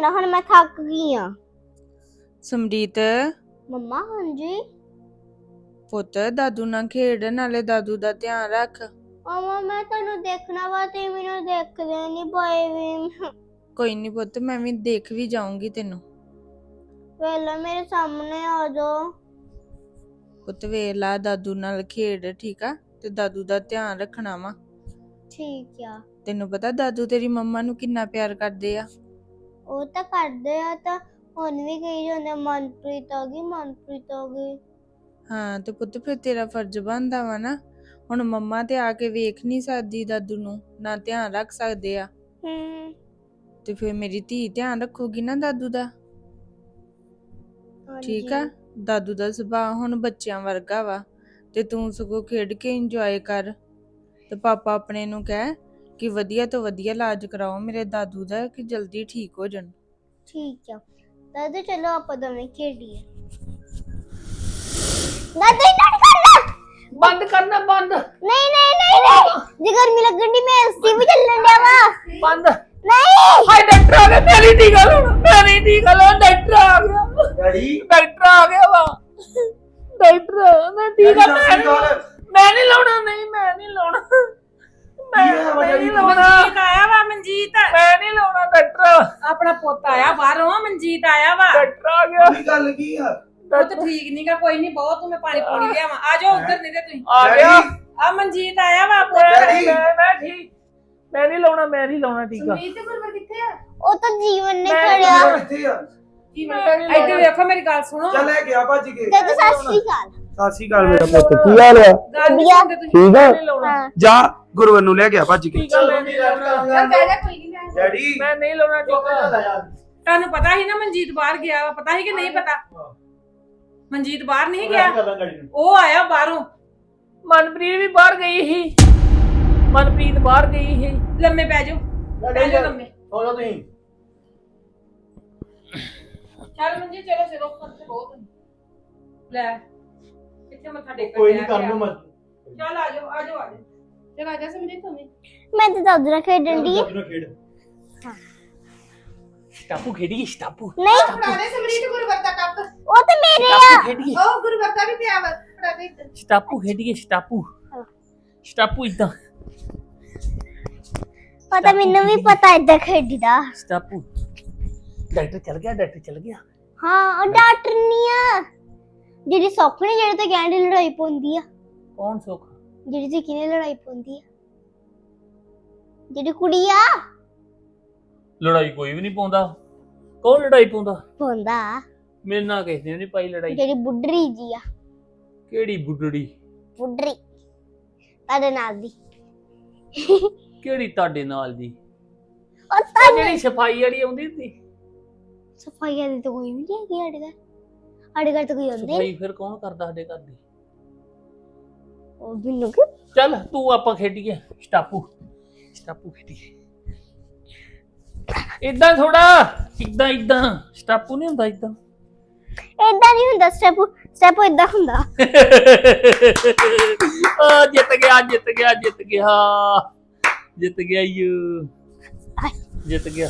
ਨਾ ਹੁਣ ਮੈਂ ਥੱਕ ਗਈ ਆ। ਸਮਰੀਤ ਮੰਮਾ ਹਾਂਜੀ ਪੁੱਤ ਦਾਦੂ ਨਾਲ ਖੇਡ, ਨਾਲੇ ਦਾਦੂ ਦਾ ਧਿਆਨ ਰੱਖ। ਮੰਮਾ ਮੈਂ ਤੁਹਾਨੂੰ ਦੇਖਣਾ ਵਾ ਤੇ ਮੈਨੂੰ ਦੇਖਦੇ ਨਹੀਂ ਪਏ ਵੀ। ਕੋਈ ਨਹੀਂ ਪੁੱਤ, ਮੈਂ ਵੀ ਦੇਖ ਵੀ ਜਾਊਂਗੀ ਤੈਨੂੰ। ਵੇਲਾ ਮੇਰੇ ਸਾਹਮਣੇ ਆ ਜਾਓ। ਪੁੱਤ ਵੇਖ ਲਾ, ਦਾਦੂ ਨਾਲ ਖੇਡ, ਠੀਕ ਆ? ਤੇ ਦਾਦੂ ਦਾ ਧਿਆਨ ਰੱਖਣਾ ਵਾ। ਠੀਕ ਆ। ਤੈਨੂੰ ਪਤਾ ਦਾਦੂ ਤੇਰੀ ਮੰਮਾ ਨੂੰ ਕਿੰਨਾ ਪਿਆਰ ਕਰਦੇ ਆ। ਉਹ ਤਾਂ ਕਰਦੇ ਆ, ਤਾਂ ਹੁਣ ਵੀ ਕਹੀ ਜਾਂਦੇ ਮਨਪ੍ਰੀਤ ਆ ਗਈ, ਮਨਪ੍ਰੀਤ ਆ ਗਈ। ਹਾਂ ਤੇ ਪੁੱਤ ਫਿਰ ਤੇਰਾ ਫਰਜ਼ ਬਣਦਾ ਵਾ ਨਾ। ਹੁਣ ਮੰਮਾ ਤੇ ਆ ਕੇ ਵੇਖ ਨਹੀਂ ਸਕਦੀ ਦਾਦੂ ਨੂੰ, ਨਾ ਧਿਆਨ ਰੱਖ ਸਕਦੇ ਆ। ਤੇ ਫਿਰ ਮੇਰੀ ਧੀ ਧਿਆਨ ਰੱਖੂਗੀ ਨਾ ਦਾਦੂ ਦਾ, ਠੀਕ ਆ? ਦਾਦੂ ਦਾ ਸੁਭਾਅ ਹੁਣ ਬੱਚਿਆਂ ਵਰਗਾ ਵਾ, ਤੇ ਤੂੰ ਸਗੋਂ ਖੇਡ ਕੇ ਇੰਜੋਏ ਕਰ। ਤੇ ਪਾਪਾ ਆਪਣੇ ਨੂੰ ਕਹਿ ਕਿ ਵਧੀਆ ਤੋਂ ਵਧੀਆ ਇਲਾਜ ਕਰਾਓ ਮੇਰੇ ਦਾਦੂ ਦਾ, ਕਿ ਜਲਦੀ ਠੀਕ ਹੋ ਜਾਣ। ਠੀਕ ਆ ਦਾਦੂ, ਚਲੋ ਆਪਾਂ ਦੋਵੇਂ ਖੇਡੀਏ। ਦਾਦੂ ਇੰਨਾ ਕਰਨਾ ਬੰਦ ਕਰਨਾ, ਬੰਦ। ਨਹੀਂ ਨਹੀਂ ਨਹੀਂ ਨਹੀਂ, ਜੇ ਗਰਮੀ ਲੱਗਣ ਦੀ ਮੈਂ ਏਸੀ ਵੀ ਚੱਲਣ ਡਿਆ ਵਾ। ਬੰਦ। ਨਹੀਂ ਹਾਏ ਡਾਕਟਰ ਆ ਗਿਆ, ਮੇਰੀ ਦੀ ਗੱਲ ਹੁਣ, ਮੇਰੀ ਦੀ ਗੱਲ, ਡਾਕਟਰ ਆ ਗਿਆ। ਡੈਡੀ ਡਾਕਟਰ ਆ ਗਿਆ ਵਾ। ਡਾਕਟਰ ਮੈਂ ਠੀਕ ਆ, ਮੈਂ ਨਹੀਂ ਲਾਉਣਾ, ਨਹੀਂ ਮੈਂ ਨਹੀਂ ਲਾਉਣਾ, ਮੈਂ ਨਹੀਂ ਲਾਉਣਾ। ਮਨਜੀਤ ਆਇਆ ਵਾ, ਮਨਜੀਤ ਮੈਂ ਨਹੀਂ ਲਾਉਣਾ ਡਾਕਟਰ। ਆਪਣਾ ਪੁੱਤ ਆਇਆ ਬਾਹਰੋਂ, ਮਨਜੀਤ ਆਇਆ ਵਾ। ਡਾਕਟਰ ਆ ਗਿਆ। ਕੀ ਗੱਲ ਕੀ ਆ? ਪੁੱਤ ਠੀਕ ਨਹੀਂਗਾ, ਕੋਈ ਨਹੀਂ, ਬਹੁਤ ਤੂੰ ਮੈਂ ਪਾਣੀ ਪੂਣੀ ਲਿਆਵਾਂ। ਆ ਜਾਓ ਉੱਧਰ, ਨਹੀਂ ਤੇ ਤੁਸੀਂ ਆ ਗਿਆ। ਆ ਮਨਜੀਤ ਆਇਆ ਵਾ ਪੁੱਤ। ਡੈਡੀ। ਮੈਂ ਠੀਕ, ਮੈਂ ਨਹੀਂ ਲਾਉਣਾ, ਮੈਂ ਨਹੀਂ ਲਾਉਣਾ ਟੀਕਾ। ਮਨਜੀਤ ਗੁਰਵਰ ਕਿੱਥੇ ਆ? ਉਹ ਤਾਂ ਜੀਵਨ ਨੇ ਮੈਂ ਖੜਿਆ। ਕਿੱਥੇ ਆ? ਕੀ ਇੱਧਰ ਵੇਖੋ, ਮੇਰੀ ਗੱਲ ਸੁਣੋ। ਚੱਲ ਲੈ ਗਿਆ ਭੱਜ ਕੇ। ਦਾਦੂ ਸਤਿ ਸ਼੍ਰੀ ਅਕਾਲ। ਸਤਿ ਸ਼੍ਰੀ ਅਕਾਲ ਮੇਰਾ ਪੁੱਤ, ਕੀ ਹਾਲ ਆ? ਗੱਲ ਨਹੀਂ ਵਧੀਆ। ਸੁਣਦੇ ਤੁਸੀਂ। ਠੀਕ ਆ? ਨਹੀਂ ਲਾਉਣਾ ਹਾਂ ਜਾ ਗੁਰਵਰ ਨੂੰ ਲੈ ਗਿਆ ਭੱਜ ਕੇ। ਟੀਕਾ, ਮੈਂ ਨਹੀਂ ਲਾਉਣਾ। ਚੱਲ ਬਹਿ ਜਾ, ਕੋਈ ਨਹੀਂ। ਡੈਡੀ ਮੈਂ ਨਹੀਂ ਲਾਉਣਾ ਟੀਕਾ। ਤੁਹਾਨੂੰ ਪਤਾ ਸੀ ਨਾ ਮਨਜੀਤ ਬਾਹਰ ਗਿਆ ਵਾ, ਪਤਾ ਸੀ ਕਿ ਨਹੀਂ ਪਤਾ? ਮਨਜੀਤ ਬਾਹਰ ਨਹੀਂ ਗਿਆ, ਉਹ ਆਇਆ ਬਾਹਰੋਂ। ਮਨਪ੍ਰੀਤ ਵੀ ਬਾਹਰ ਗਈ ਸੀ, ਮਨਪ੍ਰੀਤ ਬਾਹਰ ਗਈ ਸੀ। ਲੰਮੇ ਪੈ ਜਾਓ, ਪੈ ਜਾਓ ਲੰਮੇ। ਸੋਲੋ ਤੁਸੀਂ। ਚੱਲ ਮਨਜੀਤ, ਚਲੋ ਸਿਰੋਂ ਖਰਚ ਬਹੁਤ ਲੈ, ਕਿੱਥੇ ਮੱਥਾ ਟੇਕਣ ਕੋਈ ਗਿਆ ਨਹੀਂ ਕਰ ਪਿਆ। ਲੂ ਮਤ। ਚੱਲ ਆ ਜਾਓ, ਆ ਜਾਓ, ਆ ਜਾਓ। ਚੱਲ ਆ ਜਾ ਸਮਝੇ ਤੂੰ ਵੀ। ਮੈਂ ਤਾਂ ਦਾਦੂ ਨਾਲ ਖੇਡਣ ਦੀ। ਖੇਡ। ਸਟਾਪੂ ਖੇਡੀਏ, ਸਟਾਪੂ। ਨਹੀਂ ਫੜਾਦੇ ਸਮਰੀਤ ਗੁਰਵਰਤਾ ਕੱਪ। ਉਹ ਤਾਂ ਮੇਰੇ ਆ। ਸਟਾਪੂ ਖੇਡੀਏ, ਉਹ ਗੁਰਵਰਤਾ ਵੀ ਪਿਆ ਵਾ, ਫੜਾਦੇ ਇੱਧਰ। ਸਟਾਪੂ ਖੇਡੀਏ, ਸਟਾਪੂ। ਸਟਾਪੂ ਇਦਾਂ, ਪਤਾ ਮੈਨੂੰ ਵੀ ਪਤਾ ਏਦਾਂ ਖੇਡੀਦਾ। ਸਟਾਪੂ। ਡਾਕਟਰ ਚਲ ਗਿਆ, ਡਾਕਟਰ ਚਲ ਗਿਆ। ਹਾਂ ਉਹ ਡਾਕਟਰ ਨਹੀਂ ਆ, ਜਿਹੜੀ ਸੁੱਖ ਨੇ ਜਿਹੜੇ ਤੇ ਕਹਿੰਦੇ ਲੜਾਈ ਪਾਉਂਦੀ ਆ, ਕੌਣ ਸੁੱਖ? ਜਿਹੜੀ ਤੇ ਕਿਨੇ ਲੜਾਈ ਪਾਉਂਦੀ ਆ, ਜਿਹੜੀ ਕੁੜੀ ਆ ਲੜਾਈ ਕੋਈ ਵੀ ਨਹੀਂ ਪਾਉਂਦਾ। ਕੌਣ ਲੜਾਈ ਪਾਉਂਦਾ? ਪਾਉਂਦਾ, ਮੇਰੇ ਨਾਲ ਕਿਸੇ ਨੇ ਨਹੀਂ ਪਾਈ ਲੜਾਈ। ਜਿਹੜੀ ਬੁੱਢੜੀ ਜੀ ਆ। ਕਿਹੜੀ ਬੁੱਢੜੀ? ਬੁੱਢੜੀ ਤੁਹਾਡੇ ਨਾਲ ਦੀ। ਕਿਹੜੀ ਤੁਹਾਡੇ ਨਾਲ ਦੀ? ਉਹ ਉਹ ਤਾਂ ਜਿਹੜੀ ਸਫਾਈ ਵਾਲੀ ਆਉਂਦੀ ਸੀ। ਸਫਾਈ ਵਾਲੀ ਤਾਂ ਕੋਈ ਵੀ ਨਹੀਂ ਹੈਗੀ ਸਾਡੇ ਘਰ। ਸਾਡੇ ਘਰ ਤਾਂ ਕੋਈ ਆਉਂਦੇ ਨੀ। ਸਫਾਈ ਫਿਰ ਕੌਣ ਕਰਦਾ ਸਾਡੇ ਘਰ ਦੀ? ਉਹ ਮੈਨੂੰ ਕਿ ਚੱਲ ਤੂੰ ਆਪਾਂ ਖੇਡੀਏ ਸਟਾਪੂ, ਸਟਾਪੂ ਖੇਡੀਏ। ਇਦਾਂ ਥੋੜਾ, ਇਦਾਂ ਇਦਾਂ ਸਟਾਪੂ ਨਹੀਂ ਹੁੰਦਾ ਇਦਾਂ। ਏਦਾਂ ਨਹੀਂ ਹੁੰਦਾ ਸਟੈਪ, ਸਟੈਪ ਏਦਾਂ ਹੁੰਦਾ। ਆ ਜਿੱਤ ਗਿਆ, ਜਿੱਤ ਗਿਆ, ਜਿੱਤ ਗਿਆ, ਜਿੱਤ ਗਿਆ ਯੂ, ਜਿੱਤ ਗਿਆ।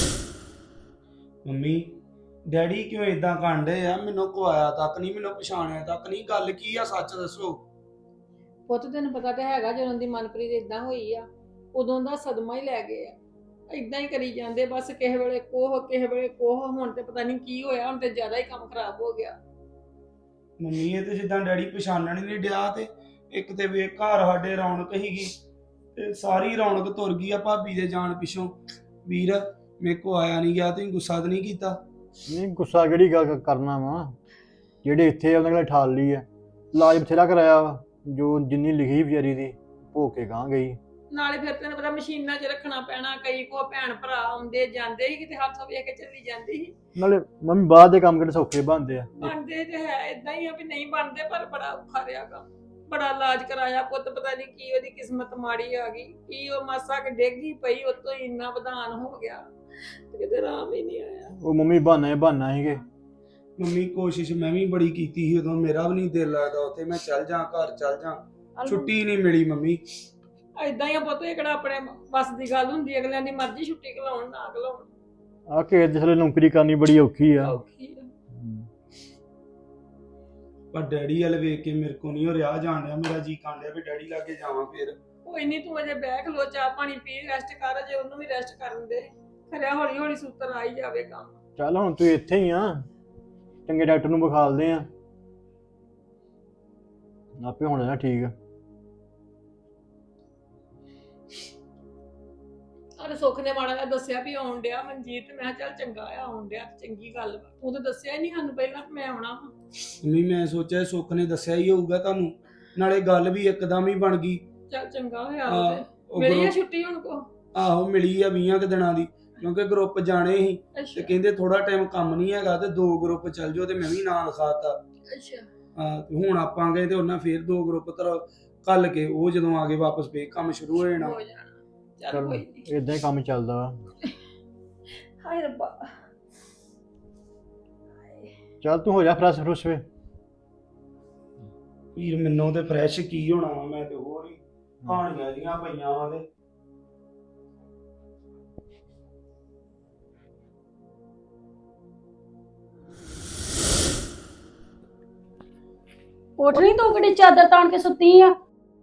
ਮੰਮੀ ਡੈਡੀ ਕਿਉਂ ਇਦਾਂ ਕਾਂਡੇ ਆ? ਮੈਨੂੰ ਕੁਆਇਆ ਤੱਕ ਨਹੀਂ, ਮੈਨੂੰ ਪਛਾਣਿਆ ਤੱਕ ਨਹੀਂ। ਗੱਲ ਕੀ ਆ, ਸੱਚ ਦੱਸੋ। ਪੁੱਤ ਤੈਨੂੰ ਪਤਾ ਤੇ ਹੈਗਾ, ਜਦੋਂ ਦੀ ਮਨਪ੍ਰੀਤ ਇਦਾਂ ਹੋਈ ਆ, ਉਦੋਂ ਦਾ ਸਦਮਾ ਹੀ ਲੈ ਗਏ ਆ। ਇਦਾਂ ਹੀ ਕਰੀ ਜਾਂਦੇ ਬਸ, ਕਿਸੇ ਵੇਲੇ ਕੋਹ, ਕਿਸੇ ਵੇਲੇ ਕੋਹ। ਹੁਣ ਤੇ ਪਤਾ ਨਹੀਂ ਕੀ ਹੋਇਆ, ਹੁਣ ਤੇ ਜ਼ਿਆਦਾ ਹੀ ਕੰਮ ਖਰਾਬ ਹੋ ਗਿਆ। ਮੰਮੀ ਇਹ ਤੇ ਜਿੱਦਾਂ ਡੈਡੀ ਪਛਾਣਨ ਹੀ ਨਹੀਂ ਡਿਆ, ਤੇ ਇੱਕ ਤੇ ਵੇ ਘਰ ਸਾਡੇ ਰੌਣਕ ਹੀਗੀ, ਤੇ ਸਾਰੀ ਰੌਣਕ ਤੁਰ ਗਈ ਆ ਭਾਬੀ ਦੇ ਜਾਣ ਪਿੱਛੋਂ। ਵੀਰ ਮੇਰੇ ਕੋ ਆਇਆ ਨਹੀਂ ਗਿਆ, ਤੁਸੀਂ ਗੁੱਸਾ ਤਾਂ ਨਹੀਂ ਕੀਤਾ? ਨਹੀਂ ਗੁੱਸਾ ਕਿਹੜੀ ਗੱਲ ਕਰਨਾ ਵਾ, ਜਿਹੜੇ ਇੱਥੇ ਉਹਨਾਂ ਕੋਲ ਠਾਲ ਲਈ ਆ। ਇਲਾਜ ਬਥੇਰਾ ਕਰਾਇਆ ਵਾ, ਜੋ ਜਿੰਨੀ ਲਿਖੀ ਵਿਚਾਰੀ ਦੀ ਭੋ ਕੇ ਗਾਂ ਗਈ। ਨਾਲੇ ਫਿਰ ਤੈਨੂੰ ਪਤਾ ਮਸ਼ੀਨਾਂ 'ਚ ਰੱਖਣਾ ਪੈਣਾ, ਕਈ ਕੋ ਭੈਣ ਭਰਾ ਆਉਂਦੇ ਜਾਂਦੇ ਸੀ, ਕਿਤੇ ਹੱਥ ਵੇਖ ਕੇ ਚੱਲੀ ਜਾਂਦੀ ਸੀ। ਨਾਲੇ ਮੰਮੀ ਬਾਹਰ ਦੇ ਕੰਮ ਕਿਹੜੇ ਸੌਖੇ ਬਣਦੇ ਆ। ਬਣਦੇ ਤੇ ਹੈ ਇਦਾਂ ਹੀ ਆ ਵੀ ਨਹੀਂ ਬਣਦੇ, ਪਰ ਬੜਾ ਔਖਾ ਰਿਹਾ ਕੰਮ। ਬੜਾ ਇਲਾਜ ਕਰਾਇਆ ਪੁੱਤ, ਪਤਾ ਨਹੀਂ ਕੀ ਉਹਦੀ ਕਿਸਮਤ ਮਾੜੀ ਆ ਗਈ, ਕੀ ਉਹ ਮਾਸਾ ਕਿ ਡੇਗੀ ਪਈ, ਉਤੋਂ ਹੀ ਇੰਨਾ ਵਧਾਨ ਹੋ ਗਿਆ, ਕਿਤੇ ਆਰਾਮ ਹੀ ਨਹੀਂ ਆਇਆ। ਉਹ ਮੰਮੀ ਬਹਾਨਾ ਸੀਗੇ। ਮੰਮੀ ਕੋਸ਼ਿਸ਼ ਮੈਂ ਵੀ ਬੜੀ ਕੀਤੀ ਸੀ ਉਦੋਂ, ਮੇਰਾ ਵੀ ਨਹੀਂ ਦਿਲ ਲੱਗਦਾ ਉੱਥੇ। ਮੈਂ ਚੱਲ ਜਾ, ਘਰ ਚੱਲ ਜਾ, ਛੁੱਟੀ ਨਹੀਂ ਮਿਲੀ ਮੰਮੀ। ਏਦਾਂ ਹੀ ਆ ਪੁੱਤ, ਇਹ ਕਿਹੜਾ ਆਪਣੇ ਬਸ ਦੀ ਗੱਲ ਹੁੰਦੀ, ਅਗਲਿਆਂ ਦੀ ਮਰਜ਼ੀ ਛੁੱਟੀ ਘਲਾਉਣ ਨਾ ਘਲਾਉਣ। ਆ ਕੇ ਜਿਸ ਵੇਲੇ ਨੌਕਰੀ ਕਰਨੀ ਬੜੀ ਔਖੀ ਆ। ਔਖੀ ਆ। ਪਰ ਡੈਡੀ ਵਾਲ ਵੇਖ ਕੇ ਮੇਰੇ ਕੋ ਨਹੀਂ ਹੋ ਰਿਹਾ ਜਾਣ ਡਿਆ, ਮੇਰਾ ਜੀ ਕਾਂਡਿਆ ਵੀ ਡੈਡੀ ਲਾਗੇ ਜਾਵਾਂ ਫਿਰ। ਕੋਈ ਨਹੀਂ, ਤੂੰ ਅਜੇ ਬਹਿ ਖਲੋ, ਚਾਹ ਪਾਣੀ ਪੀ, ਰੈਸਟ ਕਰ, ਅਜੇ ਉਹਨੂੰ ਵੀ ਰੈਸਟ ਕਰਨ ਦੇ। ਖਰਿਆ ਹੌਲੀ ਹੌਲੀ ਸੂਤਰ ਆ ਹੀ ਜਾਵੇ ਕੰਮ। ਚੱਲ ਹੁਣ ਤੂੰ ਇੱਥੇ ਹੀ ਆ, ਚੰਗੇ ਡਾਕਟਰ ਨੂੰ ਵਿਖਾਲਦੇ ਆ, ਆਪੇ ਹੋਣਾ ਨਾ ਠੀਕ। ਅਰੇ ਸੁੱਖ ਨੇ ਮਾੜਾ ਜਿਹਾ ਦੱਸਿਆ ਵੀ ਆਉਣ ਡਿਆ ਮਨਜੀਤ, ਮੈਂ ਕਿਹਾ ਚੱਲ ਚੰਗਾ ਆ, ਆਉਣ ਡਿਆ ਚੰਗੀ ਗੱਲ ਵਾ। ਤੂੰ ਤਾਂ ਦੱਸਿਆ ਹੀ ਨਹੀਂ ਸਾਨੂੰ ਪਹਿਲਾਂ ਕਿ ਮੈਂ ਆਉਣਾ ਵਾ। ਨਹੀਂ ਮੈਂ ਸੋਚਿਆ ਸੁੱਖ ਨੇ ਦੱਸਿਆ ਹੀ ਹੋਊਗਾ ਤੁਹਾਨੂੰ, ਨਾਲੇ ਗੱਲ ਵੀ ਇੱਕਦਮ ਹੀ ਬਣ ਗਈ। ਚੱਲ ਚੰਗਾ ਹੋਇਆ ਆਹ, ਉਹਦੇ ਉਹ ਮੇਰੀ ਆ ਗਰੁੱਪ- ਛੁੱਟੀ ਹੁਣ ਕੋ। ਆਹੋ ਮਿਲੀ ਆ 20 ਕੁ ਦਿਨਾਂ ਦੀ, ਕਿਉਂਕਿ ਗਰੁੱਪ ਜਾਣੇ ਸੀ ਤੇ ਅੱਛਾ ਕਹਿੰਦੇ ਥੋੜਾ ਟਾਈਮ ਕੰਮ ਨਹੀਂ ਹੈਗਾ ਤੇ 2 ਗਰੁੱਪ ਚੱਲ ਜਾਓ, ਤੇ ਮੈਂ ਵੀ ਨਾਂ ਲਿਖਾਤਾ। ਅੱਛਾ ਤੇ ਹੁਣ ਆਪਾਂ ਗਏ ਤੇ ਉਹਨਾਂ ਫੇਰ 2 ਗਰੁੱਪ ਕੱਲ ਕੇ, ਉਹ ਜਦੋਂ ਆ ਗਏ ਵਾਪਸ ਫੇਰ ਕੰਮ ਸ਼ੁਰੂ ਹੋ ਜਾਣਾ। ਹੋ ਜਾਣਾ। ਚੱਲ ਕੋਈ ਨਹੀਂ। ਇਦਾਂ ਹੀ ਕੰਮ ਚੱਲਦਾ ਵਾ। ਹਾਏ ਰੱਬਾ। ਚੱਲ ਤੂੰ ਹੋ ਜਾ ਫਰੈਸ਼ ਫਰੁਸ਼ ਵੇ। ਵੀਰ ਮੈਨੂੰ ਤੇ ਫਰੈਸ਼ ਕੀ ਹੋਣਾ ਵਾ, ਮੈਂ ਤੇ ਹੋਰ ਹੀ ਕਹਾਣੀਆਂ ਜੀਆਂ ਪਈਆਂ ਵਾ ਤੇ ਉੱਠ ਨਹੀਂ ਤੂੰ ਕਿਹੜੀ ਚਾਦਰ ਤਾਣ ਕੇ ਸੁੱਤੀ ਆ?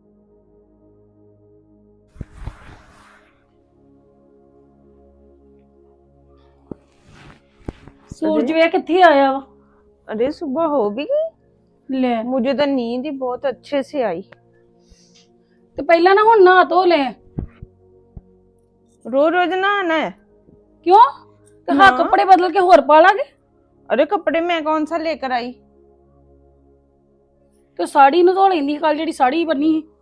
सूरज वे किथे आया वा? अरे सुबह हो भी गई, ले मुझे तो नींद ही बहुत अच्छे से आई। तो पहला ना हुन नहा धो ले। रोज रोज नहाना है? क्यों? तो हाँ कपड़े बदल के होर पा लागे। अरे कपड़े मैं कौन सा लेकर आई? तो साड़ी नु धो लेंदी, कल जेडी साड़ी बनी है।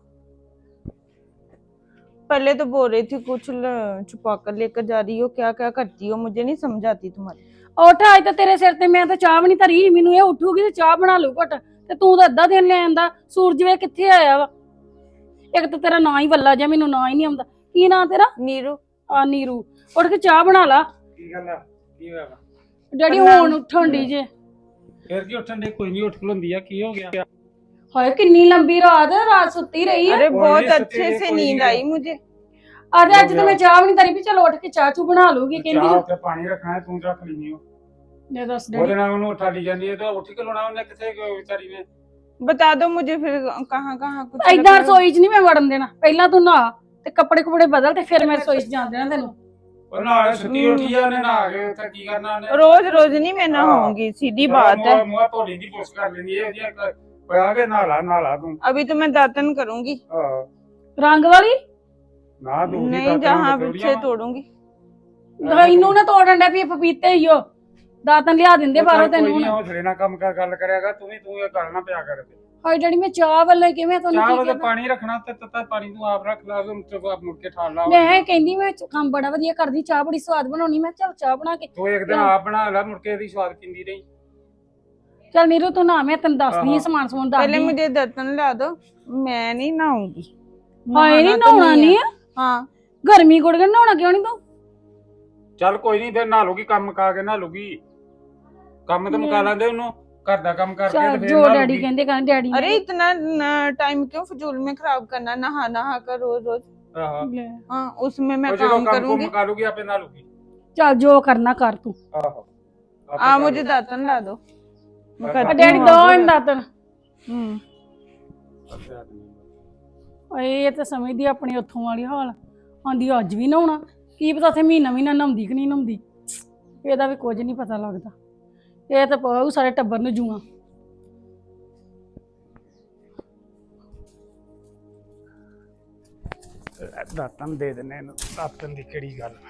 पहले तो बोल रही थी कुछ छुपा कर लेकर जा रही हो, क्या क्या करती हो, मुझे नहीं समझ आती तुम्हारी। उठ आज तो तेरे सिर ते मैं तो चाह भी नहीं धरी, मैनू ये उठूगी तो चाह बना लू घट, ते तू तो अद्धा दिन ले आंदा। सूरज वे किथे आया वा? एक तो तेरा ना ही वल्ला जा, मैनू ना ही नहीं आंदा। की ना तेरा? नीरू। आ नीरू। उठ के चाह बना ला। ਕੀ ਗੱਲ ਆ ਕੀ ਹੋਇਆ ਵਾ? डैडी हुन उठन दी जे। ਫਿਰ ਕੀ ਉੱਠਣ ਦੇ, ਕੋਈ ਨਹੀਂ ਉੱਠ ਖਲੋਂਦੀ ਆ, ਕੀ ਹੋ ਗਿਆ? हाय कितनी लंबी रात है, रात सुती रही है। अरे कोई बहुत नहीं, अच्छे सोती से कोई नींद नहीं। आई मुझे। आज आज तो मैं चाह भी नहीं धरी भी चल उठ के चाह चू बना लूगी ਚਾਹ कहंदी। ਉੱਤੇ ਪਾਣੀ ਰੱਖਣਾ ਹੈ, ਤੂੰ ਰੱਖ ਲੈਣੀ ਹੋ। ले दस ਉਹਦੇ डैडी ਨਾਲ ਉਹਨੂੰ ਉਠਾ ਲਈ ਜਾਂਦੀ ਹੈ ਤਾਂ ਉੱਠ ਕੇ ਲਾਉਣਾ ਉਹਨੇ किथे ਵਿਚਾਰੀ ਨੇ। बता दो मुझे फिर कहाँ कहाँ कुछ इधर रखना है? रसोई च नहीं मैं वड़न देना, पहला तू नहा ते कपड़े कुपड़े बदल ते फिर मैं रसोई च जान देना तेनू। ਉਹ ਨਾਲ ਸੁੱਤੀ ਉੱਠੀ ਆ, ਉਹਨੇ ਨਹਾ ਕੇ ਉੱਥੇ ਕੀ ਕਰਨਾ ਉਹਨੇ? रोज रोज नहीं मैं नहाऊंगी, सीधी बात है। ਮੂੰਹ ਧੋਲੀ ਦੀ ਪੁੱਛ ਕਰ ਲੈਂਦੀ ਹੈ ਜੀ, ਪਿਆ ਕੇ ਨਹਾ ਲਾ ਤੂੰ। अभी तो मैं दातन करूंगी, ਆਹ रंग वाली ਨਾ ਦੂਜੀ नहीं जहाँ पीछे तोड़ूंगी। इनू ना तोड़न डे पी पपीते ही हो, दातन लिया दिंदे बाहरों तेनू ਕੋਈ ਨਹੀਂ, हुण। ਹੌਸਲੇ ਨਾਲ ਕੰਮ ਕਰ, ਗੱਲ ਕਰਿਆਗਾ ਤੂੰ ਵੀ, ਤੂੰ ਇਹ ਗੱਲ ਨਾ ਪਿਆ ਕਰ। हाय डैडी मैं चाह वाले किवें तन्नू ਚਾਹ की ਉਹਦੇ कहदा? ਪਾਣੀ ਰੱਖਣਾ ਤੇ ਤੱਤਾ ਪਾਣੀ ਤੂੰ ਆਪ ਰੱਖ ਲਾ, ਉਹਨੂੰ ਤੇ ਆਪ ਮੁੜ ਕੇ ਠਾਲ ਲਾ। मैं कहंदी मैं काम बड़ा वधिया करदी, चाह बड़ी स्वाद बनाउणी, मैं चल चाह बना के ਤੂੰ ਇੱਕ ਦਿਨ आप बना ला, मुड़ के ਇਹਦੀ ਸਵਾਦ ਪਿੰਦੀ ਰਹੀ। चल नीरू तू ना, मैं तेन दसदी हाँ। समान समून पहले दसदी। मुझे दातन ला दो, मैं नहीं नहाऊंगी। हाय नहीं नहाना तो नहाउणा है। नहीं है, हाँ गर्मी गुड़ के नहाउणा क्यों नहीं तू? ਚੱਲ ਕੋਈ ਨਹੀਂ, ਫਿਰ ਨਹਾ ਲੂਗੀ, ਕੰਮ ਮੁਕਾ ਕੇ ਨਹਾ ਲੂਗੀ। ਕੰਮ ਤਾਂ ਮੁਕਾ ਲੈਂਦੇ ਉਹਨੂੰ, ਘਰ ਦਾ ਕੰਮ ਕਰਕੇ चल ਤੇ ਫਿਰ जो ਨਹਾ डैडी लूगी। कहंदे डैडी अरे इतना टाइम क्यों फजूल में खराब करना, नहा नहा कर रोज रोज। ਆਹੋ ले। हाँ उसमें मैं ਉਹ ਜਦੋਂ काम ਕੰਮ ਕੁਮ करूंगी। ਮੁਕਾ ਲੂਗੀ ਆਪੇ ਨਹਾ ਲੂਗੀ। चल जो करना कर तू। ਆਹੋ हाँ मुझे दातन ला दो, मैं हाँ, करती डैडी हूँ दो अभी। इन दातन। हम्म। ਓਏ ਇਹ ਤਾਂ ਸਮਝਦੀ ਆਪਣੀ ਉੱਥੋਂ ਵਾਲੀ ਹਾਲ, ਆਂਦੀ ਅੱਜ ਵੀ ਨਹਾਉਣਾ, ਕੀ ਪਤਾ ਉੱਥੇ ਮਹੀਨਾ ਮਹੀਨਾ ਨਹਾਉਂਦੀ ਕਿ ਨਹੀਂ ਨਹਾਉਂਦੀ, ਇਹਦਾ ਵੀ ਕੁਝ ਨਹੀਂ ਪਤਾ ਲੱਗਦਾ। ਇਹ ਤਾਂ ਪਾਉ ਸਾਰੇ ਟੱਬਰ ਨੂੰ ਜੂਆਂ। ਦਾਤਨ ਦੇ ਦਿੰਨੇ ਇਹਨੂੰ, ਦਾਤਨ ਦੀ ਕਿਹੜੀ ਗੱਲ।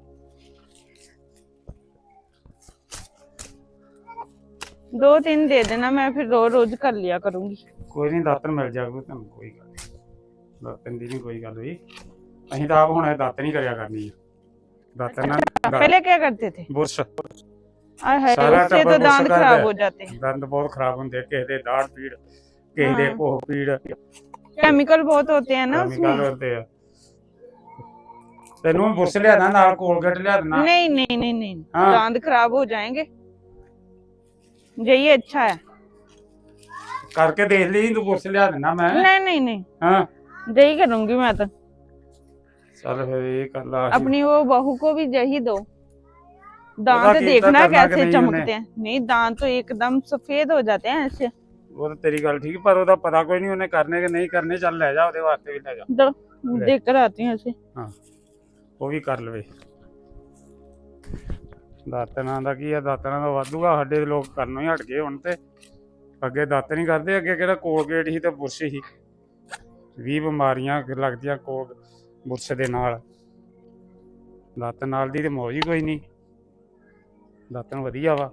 दो तीन दे देना, मैं फिर रोज रोज कर लिया करूंगी। ਕੋਈ ਨਹੀਂ, ਦਾਤਨ ਮਿਲ ਜਾਊਗਾ ਤੁਹਾਨੂੰ, ਕੋਈ ਗੱਲ ਨਹੀਂ। ਦਾਤਨ ਦੀ ਨਹੀਂ ਕੋਈ ਗੱਲ ਹੋਈ, ਅਸੀਂ ਤਾਂ ਆਪ ਹੁਣ ਇਹ ਦਾਤਨ ਹੀ ਕਰਿਆ ਕਰਨੀ ਆ। ਦਾਤਨ ਨਾਲ पहले क्या करते थे? ਬੁਰਸ਼, आय हाय, सारा उससे टब्बर तो दांत गुस्सा खराब करता हो जाते हैं। ਦੰਦ ਬਹੁਤ ਖਰਾਬ ਹੁੰਦੇ, ਕਿਸੇ ਦੇ ਦਾੜ ਪੀੜ, ਕਿਸੇ ਦੇ हाँ। ਕੋਹ ਪੀੜ, केमिकल बहुत होते हैं ना ਕੈਮੀਕਲ उसमें। ਹੁੰਦੇ ਆ। ਤੈਨੂੰ ਬੁਰਸ਼ ਲਿਆ ਦੇਣਾ, ਨਾਲ ਕੋਲਗੇਟ ਲਿਆ ਦੇਣਾ। नहीं नहीं नहीं नहीं, हाँ। दांत खराब हो जाएंगे, यही अच्छा है। ਕਰਕੇ ਦੇਖ ਲਈ, ਤੂੰ ਬੁਰਸ਼ ਲਿਆ ਦੇਣਾ ਮੈਂ। नहीं नहीं नहीं, ਹਾਂ यही करूंगी मैं तो। ਚੱਲ ਫਿਰ ਇਹ ਕਰ ਲਾ। अपनी वो बहू को भी यही दो, दांत की देखना करना कि कैसे नहीं चमकते उन्हें। हैं। नहीं, दांत तो एकदम सफेद हो जाते हैं ऐसे। ਉਹ ਤਾਂ ਤੇਰੀ ਗੱਲ ਠੀਕ ਪਰ ਉਹਦਾ ਪਤਾ ਕੋਈ ਨਹੀਂ ਉਹਨੇ ਕਰਨੇ ਕਿ ਨਹੀਂ ਕਰਨੇ ਚੱਲ ਲੈ ਜਾ ਉਹਦੇ ਵਾਸਤੇ ਵੀ ਲੈ ਜਾ इधर ले। देख कर आती हूँ ऐसे। ਉਹ ਵੀ ਕਰ ਲਵੇ ਦਾਤਨਾਂ ਦਾ ਕੀ ਆ ਦਾਤਨਾਂ ਦਾ ਵਾਧੂਗਾ ਸਾਡੇ ਲੋਕ ਕਰਨੋਂ ਹੀ ਹਟ ਗਏ ਹੁਣ ਤੇ ਅੱਗੇ ਦਾਤ ਨਹੀਂ ਕਰਦੇ ਅੱਗੇ ਕਿਹੜਾ ਕੋਲਗੇਟ ਸੀ ਤੇ ਬੁਰਸ਼ ਸੀ 20 ਬਿਮਾਰੀਆਂ ਲੱਗਦੀਆਂ ਕੋਲ ਬੁਰਸ਼ ਦੇ ਨਾਲ ਦਾਤ ਨਾਲ ਦੀ ਤੇ ਮੌਜ ਹੀ ਕੋਈ ਨਹੀਂ ਦਾਤਨ ਵਧੀਆ ਵਾ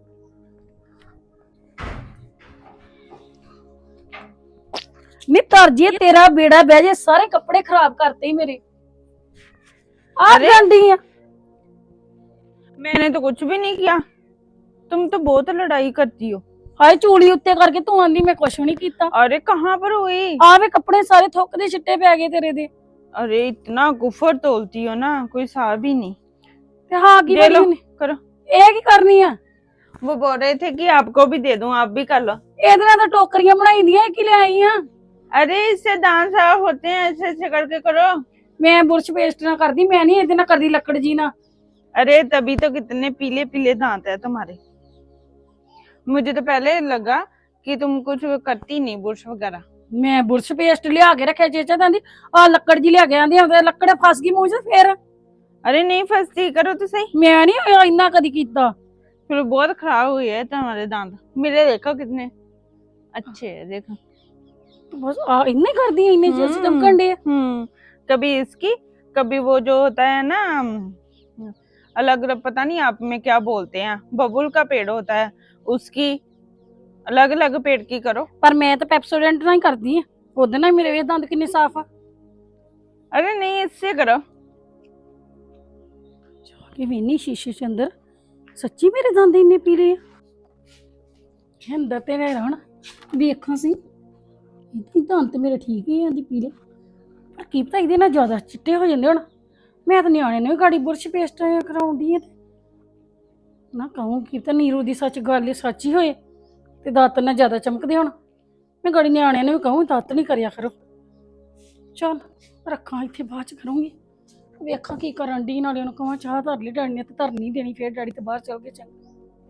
ਨੀ ਤਰਜੀ ਤੇਰਾ ਬੇੜਾ ਬਹਿ ਜੇ ਸਾਰੇ ਕੱਪੜੇ ਖਰਾਬ ਕਰਤੇ ਹੀ ਮੇਰੇ ਆ अरे! ਜਾਂਦੀ ਆ मैंने तो कुछ भी नहीं किया। तुम तो बहुत लड़ाई करती हो। ਹਾਏ ਚੂੜੀ ਉੱਤੇ ਕਰਕੇ ਤੂੰ ਆਂਦੀ ਮੈਂ ਕੁਛ ਨਹੀਂ ਕੀਤਾ अरे कहाँ पर हुई? ਆ ਵੇ ਕੱਪੜੇ ਸਾਰੇ ਥੁੱਕ ਦੇ ਛਿੱਟੇ ਪੈ ਗਏ ਤੇਰੇ ਦੇ अरे इतना गुफर तोलती हो ना, कोई हिसाब ही नहीं। ਤੇ ਹਾਂ ਕੀ दे लो, ਕਰੀ करो। ਇਹ ਕੀ ਕਰਨੀ ਆ वो बोल रहे थे कि आपको भी दे दूं, आप भी कर लो। ਇਹਦੇ ਨਾਲ ਤਾਂ ਟੋਕਰੀਆਂ ਬਣਾਈ ਦੀਆਂ ਇਹ ਕੀ ਲੈ ਆਈ ਆ अरे इससे दांत साफ होते हैं, ऐसे ऐसे करके करो। ਮੈਂ ਬੁਰਸ਼ ਪੇਸਟ ਨਾ ਕਰਦੀ ਮੈਂ ਨਹੀਂ ਇਹਦੇ ਨਾਲ ਕਰਦੀ ਲੱਕੜ ਜੀ ਨਾ अरे तभी तो कितने पीले पीले दांत है तुम्हारे। मुझे तो पहले लगा कि तुम कुछ करती नहीं बुरश वगैरह। ਮੈਂ ਬੁਰਸ਼ ਪੇਸਟ ਲਿਆ ਕੇ ਰੱਖਿਆ ਚੇਚਾ ਕਹਿੰਦੀ ਆ ਲੱਕੜ ਜੀ ਲਿਆ ਕੇ ਆਂਦੀ ਆ ਲੱਕੜ ਫਸ ਗਈ ਮੂੰਹ 'ਚ ਫੇਰ अरे नहीं फंसती, करो तो सही। ਮੈਂ ਨਹੀਂ ਇੰਨਾ ਕਦੀ ਕੀਤਾ फिर बहुत खराब हुई है तुम्हारे दांत। मेरे देखो कितने अच्छे है, देखो। ਬਸ ਆ ਇੰਨੇ ਕਰਦੀ ਆ ਇੰਨੇ ਚਿਰ ਚਮਕਣ ਦੇ कभी इसकी, कभी वो जो होता है ना अलग पता नहीं आप में क्या बोलते हैं, बबुल का पेड़ होता है, उसकी अलग अलग पेड़ की करो। ਪਰ ਮੈਂ ਤਾਂ ਪੈਪਸੋਡੈਂਟ ਨਾਲ ਹੀ ਕਰਦੀ ਆ ਉਹਦੇ ਨਾਲ ਮੇਰੇ ਵੇ ਦੰਦ ਕਿੰਨੇ ਸਾਫ਼ ਆ अरे नहीं, इससे करो। ਕਿ ਵੇਨੀ ਸ਼ੀਸ਼ੇ 'ਚ ਅੰਦਰ ਸੱਚੀ ਮੇਰੇ ਦੰਦ ਇੰਨੇ ਪੀਲੇ ਆ ਅੰਦਰ ਤੇ ਰਹਿ ਹੁਣ ਵੇਖਾਂ ਸੀ ਇਹਦੇ ਦੰਦ ਤੇ ਮੇਰੇ ਠੀਕ ਹੀ ਆਂਦੀ ਪੀਲੇ ਪਰ ਕੀ ਪਤਾ ਇਹਦੇ ਨਾਲ ਜ਼ਿਆਦਾ ਚਿੱਟੇ ਹੋ ਜਾਂਦੇ ਹੁਣ ਮੈਂ ਤਾਂ ਨਿਆਣੇ ਨੂੰ ਵੀ ਗਾੜੀ ਬੁਰਸ਼ ਪੇਸਟ ਕਰਾਉਂਦੀ ਆ ਤੇ ਨਾ ਕਹੂੰ ਕੀ ਤਾਂ ਨੀਰੂ ਦੀ ਸੱਚ ਗੱਲ ਹੀ ਸੱਚ ਹੀ ਹੋਏ ਤੇ ਦਾਤ ਨਾਲ ਜ਼ਿਆਦਾ ਚਮਕਦੇ ਹੁਣ ਮੈਂ ਗਾੜੀ ਨਿਆਣਿਆਂ ਨੂੰ ਵੀ ਕਹੂੰ ਦਾਤ ਨਹੀਂ ਕਰਿਆ ਕਰੋ ਚਲ ਰੱਖਾਂ ਇੱਥੇ ਬਾਅਦ ਚ ਕਰੂੰਗੀ ਵੇਖਾਂ ਕੀ ਕਰਨ ਡੀ ਨਾਲੇ ਉਹਨੂੰ ਕਹਾਂ ਚਾਹ ਧਰ ਲਈ ਡੈਡੀ ਨੇ ਤੇ ਧਰ ਨਹੀਂ ਦੇਣੀ ਫੇਰ ਡੈਡੀ ਤੇ ਬਾਹਰ ਚਲ ਗਏ ਚੰਗਾ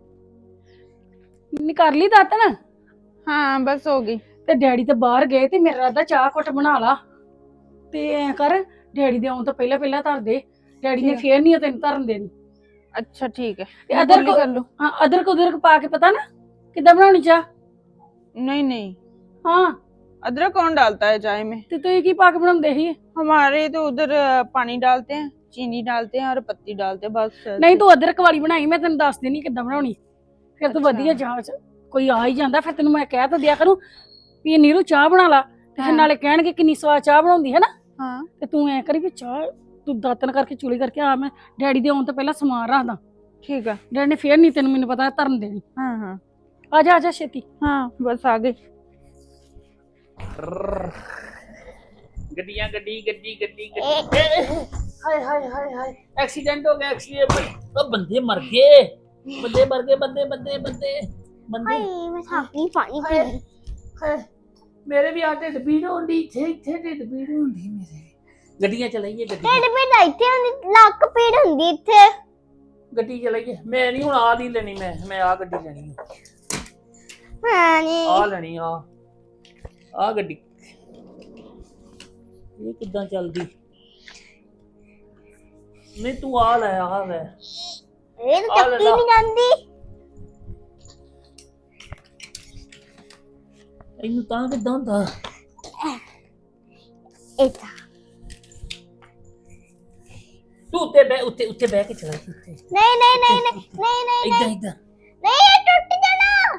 ਨੀ ਕਰ ਲਈ ਦਾਤ ਨਾ हाँ बस होगी। ਤੇ ਡੈਡੀ ਤੇ ਬਾਹਰ ਗਏ ਤੇ ਮੇਰਾ ਰਾਦਾ ਚਾਹ ਘੁੱਟ ਬਣਾ ਲਾ ਤੇ ਐ ਕਰ ਡੈਡੀ ਦੇ ਆਉਣ ਤੋਂ ਪਹਿਲਾਂ ਪਹਿਲਾਂ ਧਰ ਦੇ ਡੈਡੀ ਨੇ ਫੇਰ ਨਹੀਂ ਤੈਨੂੰ ਧਰਨ ਦੇਣੀ अच्छा ठीक है, ਤੇ मैं ਅਦਰਕ गोली कर लो। ਹਾਂ ਅਦਰਕ ਪਾ ਕੇ ਪਤਾ ਨਾ ਕਿੱਦਾਂ ਬਣਾਉਣੀ ਚਾਹ नहीं नहीं, ਹਾਂ अदरक कौन डालता है चाय में? ਤੇ ਤੁਸੀਂ ਕੀ ਪਾ ਕੇ ਬਣਾਉਂਦੇ ਸੀ हमारे तो उधर पानी डालते हैं, चीनी डालते हैं और पत्ती डालते हैं, बस। ਨਹੀਂ ਤੂੰ ਅਦਰਕ ਵਾਲੀ ਬਣਾਈ ਮੈਂ ਤੈਨੂੰ ਦੱਸ ਦੇਣੀ ਕਿੱਦਾਂ ਬਣਾਉਣੀ ਫਿਰ ਤੂੰ ਅੱਛਾ। ਵਧੀਆ ਜਾਂਚ ਕੋਈ ਆ ਹੀ ਜਾਂਦਾ ਫਿਰ ਤੈਨੂੰ ਮੈਂ ਕਹਿ ਤਾਂ ਦਿਆ ਕਰੂੰ ਵੀ ਇਹ ਨੀਰੂ ਚਾਹ ਬਣਾ ਲਾ ਤੇ ਫਿਰ ਹਾਂ। ਨਾਲੇ ਕਹਿਣਗੇ ਕਿੰਨੀ ਸਵਾਦ ਚਾਹ ਬਣਾਉਂਦੀ ਹੈ ਨਾ हाँ ਤੇ ਤੂੰ ਐ ਕਰੀ ਵੀ ਚਾਹ ਤੂੰ ਦਾਤਨ ਕਰਕੇ ਚੂਲੀ ਕਰਕੇ ਆ ਮੈਂ ਡੈਡੀ ਦੇ ਆਉਣ ਤੋਂ ਪਹਿਲਾਂ ਸਮਾਨ ਰੱਖਦਾ ठीक है। ਡੈਡੀ ਨੇ ਫੇਰ ਨਹੀਂ ਤੈਨੂੰ ਮੈਨੂੰ ਪਤਾ ਧਰਨ ਦੇਣੀ हाँ हाँ ਆ ਜਾ ਛੇਤੀ हाँ बस आ गई। ਗੱਡੀਆਂ ਗੱਡੀ ਹਾਏ ਹਾਏ ਹਾਏ ਹਾਏ ਐਕਸੀਡੈਂਟ ਹੋ ਗਿਆ ਐਕਸੀਡੈਂਟ ਉਹ ਬੰਦੇ ਮਰ ਗਏ ਬੰਦੇ ਹਾਏ ਮੈਂ ਥੱਕੀ ਪਾਣੀ ਪੀ ਲਈ। ਹਾਏ ਮੇਰੇ ਵੀ ਆ ਢਿੱਡ ਪੀੜ ਹੁੰਦੀ ਇੱਥੇ ਢਿੱਡ ਪੀੜ ਹੁੰਦੀ ਮੇਰੇ ਗੱਡੀਆਂ ਚਲਾਈਏ ਢਿੱਡ ਪੀੜ ਇੱਥੇ ਹੁੰਦੀ, ਲੱਕ ਪੀੜ ਹੁੰਦੀ ਇੱਥੇ। ਗੱਡੀ ਚਲਾਈਏ ਮੈਂ ਨਹੀਂ ਹੁਣ ਆ ਨਹੀਂ ਲੈਣੀ ਮੈਂ ਆ ਗੱਡੀ ਲੈਣੀ ਹਾਂ ਨੀ ਆ ਲੈਣੀ ਆ ਗੱਡੀ ਇਹ ਕਿੱਦਾਂ ਚੱਲਦੀ ਨਹੀਂ ਤੂੰ ਆ ਲੈ ਆ ਵੇ ਇਹ ਤਾਂ ਚੱਕੀ ਨਹੀਂ ਜਾਂਦੀ। ਇਹਨੂੰ ਤਾਂ ਕਿੱਦਾਂ ਹੁੰਦਾ ਇੱਥੇ ਤੂੰ ਉੱਤੇ ਬਹਿ ਕੇ ਚਲਾ ਉੱਤੇ ਨਹੀਂ ਨਹੀਂ ਨਹੀਂ ਨਹੀਂ ਨਹੀਂ ਨਹੀਂ ਇਦਾਂ ਨਹੀਂ ਇਹ ਟੁੱਟ ਜਾਣਾ।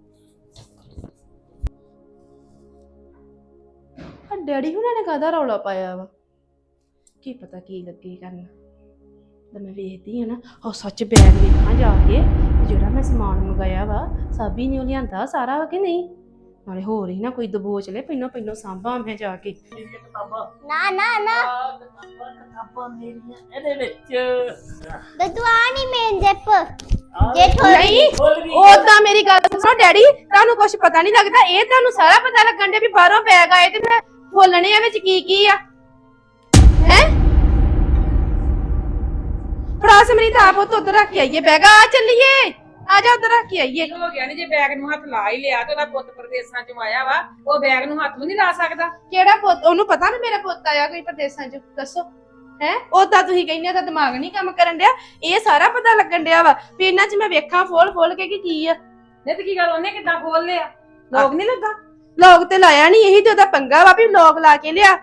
ਆ ਡੈਡੀ ਹੁਣਾਂ ਨੇ ਕਾਹਦਾ ਰੌਲਾ ਪਾਇਆ ਵਾ ਕੀ ਪਤਾ ਕੀ ਲੱਗੇ ਕਰਨ ਤਾਂ ਮੈਂ ਵੇਖਦੀ ਆ ਨਾ ਉਹ ਸੱਚ ਬੈਗ ਵੇਖਾਂ ਜਾ ਕੇ ਜਿਹੜਾ ਮੈਂ ਸਮਾਨ ਮੰਗਾਇਆ ਵਾ ਸਾਬੀ ਨੇ ਉਹ ਲਿਆਂਦਾ ਸਾਰਾ ਵਾ ਕਿ ਨਹੀਂ ਨਾਲੇ ਹੋਰ ਹੀ ਨਾ ਕੋਈ ਦਬੋਚ ਲੈ ਪਹਿਲੋਂ ਸਾਂਭਾਂ ਮੈਂ ਜਾ ਕੇ ਨਾ ਨਾ ਨਾ ਕਿਤਾਬਾਂ ਮੇਰੀਆਂ ਇਹਦੇ ਵਿੱਚ ਦਦੂਆ ਨਹੀਂ ਮੇਨ ਜੱਪ ਜੇ ਥੋੜੀ ਉਦਾਂ ਮੇਰੀ ਗੱਲ ਸੁਣੋ ਡੈਡੀ ਤੁਹਾਨੂੰ ਕੁਝ ਪਤਾ ਨਹੀਂ ਲੱਗਦਾ ਇਹ ਤੁਹਾਨੂੰ ਸਾਰਾ ਪਤਾ ਲੱਗਣ ਦੇ ਵੀ ਬਾਹਰੋਂ ਬੈਗ ਆਏ ਤੇ ਮੈਂ ਖੋਲਣੇ ਆ ਵਿੱਚ ਕੀ ਆ ਹੈ ਫੜਾ ਸਮਰੀਤ ਆਪ ਉਹ ਉੱਧਰ ਰੱਖ ਕੇ ਆਈਏ ਬੈਗ ਆ ਚੱਲੀਏ ਆ ਜਾ ਉੱਧਰ ਰੱਖ ਕੇ ਆਈਏ। ਕੀ ਹੋ ਗਿਆ ਨੀ ਜੇ ਬੈਗ ਨੂੰ ਹੱਥ ਲਾ ਹੀ ਲਿਆ ਤੇ ਉਹਦਾ ਪੁੱਤ ਪ੍ਰਦੇਸਾਂ ਚੋਂ ਆਇਆ ਵਾ, ਉਹ ਬੈਗ ਨੂੰ ਹੱਥ ਵੀ ਨਹੀਂ ਲਾ ਸਕਦਾ। ਕਿਹੜਾ ਪੁੱਤ? ਉਹਨੂੰ ਪਤਾ ਵੀ ਮੇਰਾ ਪੁੱਤ ਆਇਆ ਕੋਈ ਪ੍ਰਦੇਸਾਂ ਚ? ਦੱਸੋ ਹੈ ਉਹਦਾ ਤੁਸੀਂ ਕਹਿੰਦੇ ਉਹਦਾ ਦਿਮਾਗ ਨਹੀਂ ਕੰਮ ਕਰਨ ਡਿਆ। ਇਹ ਸਾਰਾ ਪਤਾ ਲੱਗਣ ਡਿਆ ਵਾ ਵੀ ਇਹਨਾਂ ਚ ਮੈਂ ਵੇਖਾਂ ਫੋਲ ਕੇ ਕਿ ਕੀ ਆ। ਨਹੀਂ ਤੇ ਕੀ ਗੱਲ ਉਹਨੇ ਕਿੱਦਾਂ ਖੋਲ ਲਿਆ? ਲੋਕ ਨਹੀਂ ਲੱਗਾ? ਲੋਕ ਤੇ ਲਾਇਆ ਨਹੀਂ, ਇਹੀ ਤੇ ਉਹਦਾ ਪੰਗਾ ਵਾ ਵੀ ਲੋਕ ਲਾ ਕੇ ਲਿਆ।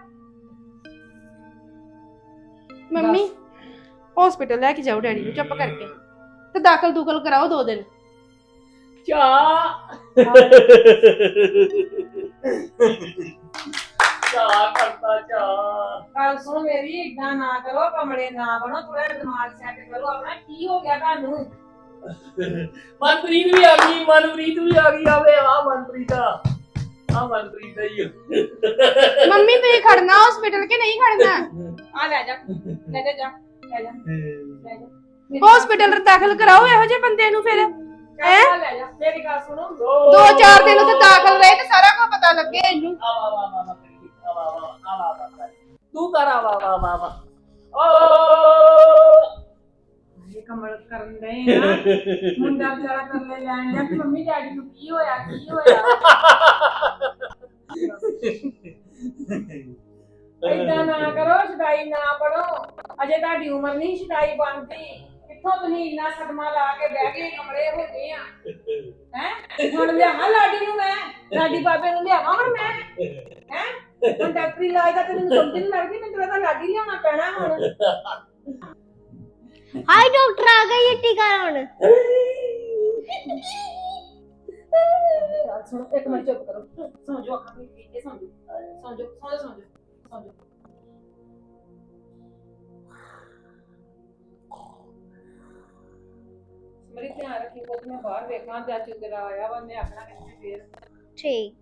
ਮੰਮੀ ਹਸਪੀਟਲ ਲੈ ਕੇ ਜਾਓ ਡੈਡੀ ਨੂੰ ਚੁੱਪ ਕਰਕੇ ਤੇ ਦਾਖਲ ਕਰਾਓ 2 ਦਿਨ। ਚਾਹ ਕਰਤਾ ਚਾਹ। ਗੱਲ ਸੁਣ ਮੇਰੀ, ਏਦਾਂ ਨਾ ਕਰੋ, ਕਮਲੇ ਨਾ ਬਣੋ, ਥੋੜਾ ਦਿਮਾਗ ਸੈੱਟ ਕਰੋ ਆਪਣਾ। ਕੀ ਹੋ ਗਿਆ ਤੁਹਾਨੂੰ? ਮਨਪ੍ਰੀਤ ਵੀ ਆ ਗਈ ਆਵੇ ਆ ਮਨਪ੍ਰੀਤ ਦਾ ਹੀ ਮੰਮੀ ਤੁਸੀਂ ਖੜਨਾ ਹਸਪੀਟਲ ਕਿ ਨਹੀਂ ਖੜਨਾ? ਆ ਲੈ ਜਾ ਲੈ ਜਾ ਹਸਪੀਟਲ ਦਾਖਲ ਕਰਾਓ ਇਹੋ ਜਿਹੇ ਬੰਦੇ ਨੂੰ। ਫਿਰ ਚੱਲ ਲੈ ਜਾ। ਮੇਰੀ ਗੱਲ ਸੁਣੋ, 2-4 ਦਿਨ ਉੱਥੇ ਦਾਖਲ ਰਹੇ ਤੇ ਸਾਰਾ ਕੁਝ ਪਤਾ ਲੱਗੇ ਇਹਨੂੰ। ਤੂੰ ਕਰ ਵਾ ਇਹ ਕਮਲ ਕਰਨ ਦੇ ਨਾ ਮੁੰਡਾ ਵਿਚਾਰਾ ਕਰਲੇ ਲੈਣ ਡਿਆ ਕਿ ਮੰਮੀ ਡੈਡੀ ਨੂੰ ਕੀ ਹੋਇਆ। ਏਦਾਂ ਨਾ ਕਰੋ, ਸ਼ਦਾਈ ਨਾ ਬਣੋ, ਅਜੇ ਤੁਹਾਡੀ ਉਮਰ ਨਹੀਂ ਸ਼ਦਾਈ ਬਣਦੀ। ਕਿੱਥੋਂ ਤੁਸੀਂ ਇੰਨਾ ਸਦਮਾ ਲਾ ਕੇ ਬਹਿ ਗਏ, ਕਮਲੇ ਹੋ ਗਏ ਆ ਹੈ। ਹੁਣ ਲਿਆਵਾਂ ਲਾਡੀ ਨੂੰ, ਮੈਂ ਲਾਡੀ ਬਾਬੇ ਨੂੰ ਲਿਆਵਾਂ ਹੁਣ ਮੈਂ ਹੈ। ਹੁਣ ਡਾਕਟਰੀ ਇਲਾਜ ਦਾ ਤੈਨੂੰ ਸਮਝ ਨਹੀਂ ਲੱਗਦੀ, ਮੈਨੂੰ ਲੱਗਦਾ ਲਾਡੀ ਲਿਆਉਣਾ ਪੈਣਾ ਹੁਣ। हाय डॉक्टर आ गई है टीका लाने। सुनो एक मिनट चुप करो, सो जाओ अखा में ये सो जाओ। मेरी ध्यान रखी को मैं बाहर देखना चाचू तेरा आया वा, मैं आखना कितने फिर ठीक